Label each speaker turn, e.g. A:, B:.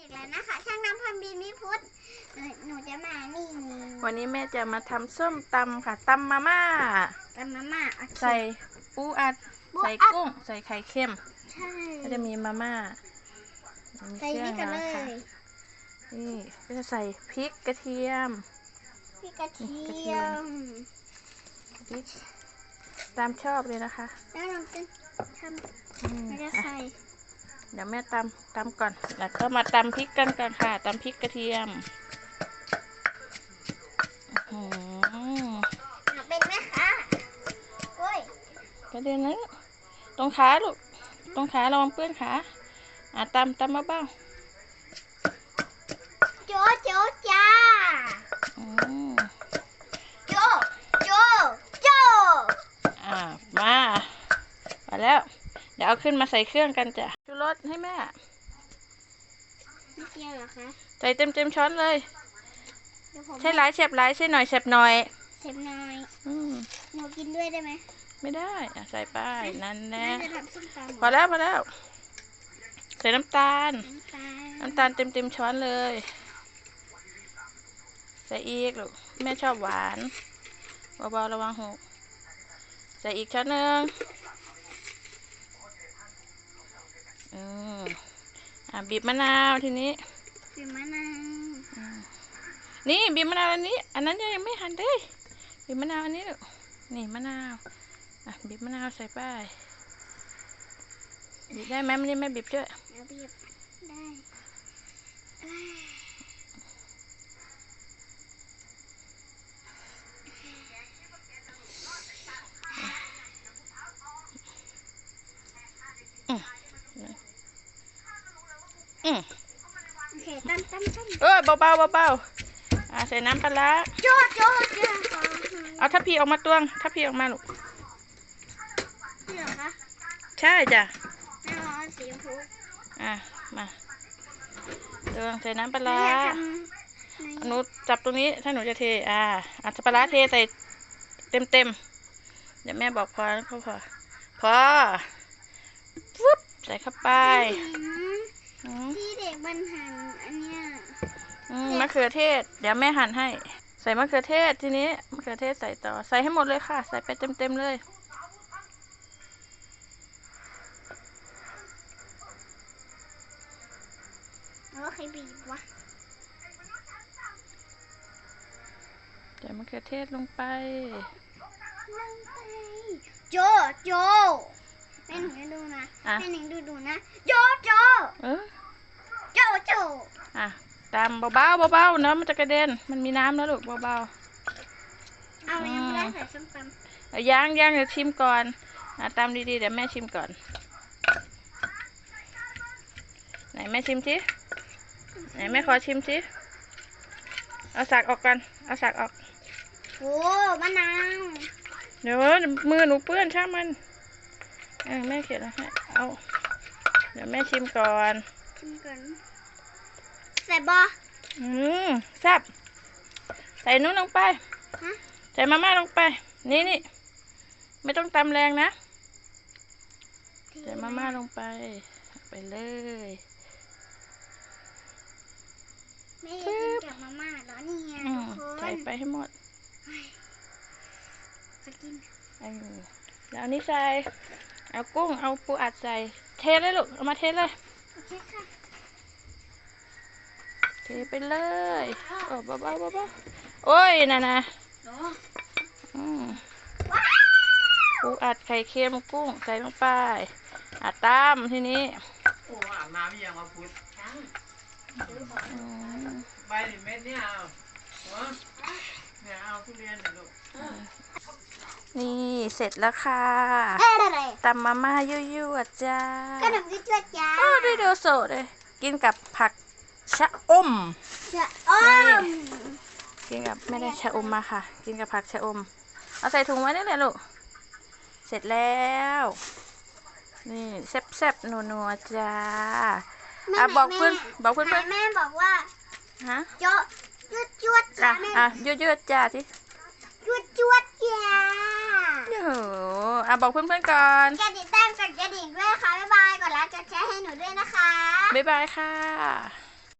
A: แล้วนะคะช่างน้ำพันบินมิพุทธหนูจะมานี่
B: วันนี้แม่จะมาทำส้มตำค่ะตำมาม่าใส่ปูอัดใส่กุ้งใส่ไข่เค็ม
A: ใช่
B: ก็จะมีมาม่ามีเครื่องแล้วค่ะนี่ก็จะใส่พริกกระเทียม
A: พริกกระเทียม
B: พริกตามชอบเลยนะคะ
A: แล้วเราจะทำไม่ได้ใส่
B: เดี๋ยวแม่ตำก่อนแล้วก็มาตำพริกกันค่ะตำพริกกระเทียม
A: เป็นไหมคะโอ้ย
B: กระเด็นนะตรงขาลูกตรงขาระวังเปื้อนขาตำเบา
A: โจจ้าโจ
B: มาแล้วเดี๋ยวเอาขึ้นมาใส่เครื่องกันจ้ะชูรสให้แม่
A: ไม่เกี่ยวหรอคะ
B: ใส่เต็มช้อนเลยใช่หลายเฉบหลายใช่หน่อยเฉบหน่อย
A: หนูกินด้วยได้ไหม
B: ไม่ได้ใส่ไปนั่นแน่พ
A: อ
B: แล้วใส่น้ำตาลเต็มช้อนเลยใส่อีกลูกแม่ชอบหวานเบาๆระวังหกใส่อีกช้อนหนึ่งบีบมะนาวทีนี้
A: บีบมะนาว
B: นี่บีบมะนาวอันนี้อันนั้นยังไม่หั่นเลยบีบมะนาวอันนี้ลูกนี่มะนาวบีบมะนาวใส่ไปบีบได้ไหมไม่ได้แม่บีบด้วย
A: บีบได้โอเคตั้ม
B: เบาใส่น้ำปลา
A: โจ
B: เอาทัพพีออกมาตวงทัพพีออกมาลูก
A: นี่เหรอคะ
B: ใช่จ้ะ
A: สีชมพู
B: มาตวงใส่น้ำปลาหนูจับตรงนี้ถ้าหนูจะเทปลาเทใส่เต็มเดี๋ยวแม่บอกพอปุ๊บใส่เข้าไป
A: ที่เด็กมันหั่นอันเนี้ย
B: มะเขือเทศเดี๋ยวแม่หั่นให้ใส่มะเขือเทศทีนี้มะเขือเทศใส่ต่อใส่ให้หมดเลยค่ะใส่ไปเต็มเลย
A: แล้วใครบีบวะ
B: ใส่มะเขือเทศลงไป
A: โจแม่หนูดูนะแม่หนูดูนะโจ
B: ตามเบาๆนะมันจะกระเด็นมันมีน้ำนะลูกเบา
A: ๆเอายังไม่ได้ใส่ส้มตำ
B: ย่างเดี๋ยวชิมก่อนตามดีๆเดี๋ยวแม่ชิมก่อนไหนแม่ชิมสิไหนแม่ขอชิมสิเอาสักออกกันเอาสักออก
A: โอ้มะนาว
B: เดี๋ยวมือหนูเปื้อนช่างมันแม่เขียนให้เอาเดี๋ยวแม่ชิมก่อน
A: ใส่บอ
B: แซ่บใส่นู้นลงไปใส่มาม่าลงไปนี่ไม่ต้องตำแรงนะใส่มาม่าลงไปเลย
A: ไม่กินกับมาม่าแล้วนี่ไง
B: ใส่ไปให้หมดแล้วนี่ใส่เอากุ้งเอาปูอัดใส่เทเลยลูกเอามาเทเลยเทไปเลยเบาโอ้ยนะปูอัดไข่เค็มกุ้งใส่ลงไปตามทีนี้
C: โอ้อาบน้ำยังมาพุดใบเม็ดเนี่ยเอาทุเรียนหน่อยลูก
B: นี่เสร็จแล้วค่ะตำมาม่ายั่วๆจ้า
A: ขนมยั่วๆจ้า
B: ได้ดูสดเลยกินกับผักชะอมกินกับไม่ได้ชะอมมาค่ะกินกับผักชะอมเอาใส่ถุงไว้นี่แหละลูกเสร็จแล้วนี่แซ่บๆนัวๆจ้าบอกเพื่อน
A: แม่บอกว่ายั่วจ้า
B: ยั่วจ้าสิ
A: ยั่วจ้า
B: บอกเพื่อนๆก่อน
A: กดติดตามกดกระดิ่งด้วยค่ะบ๊ายบายกดไลค์กดแชร์ให้หนูด้วยนะคะ
B: บ๊ายบายค่ะ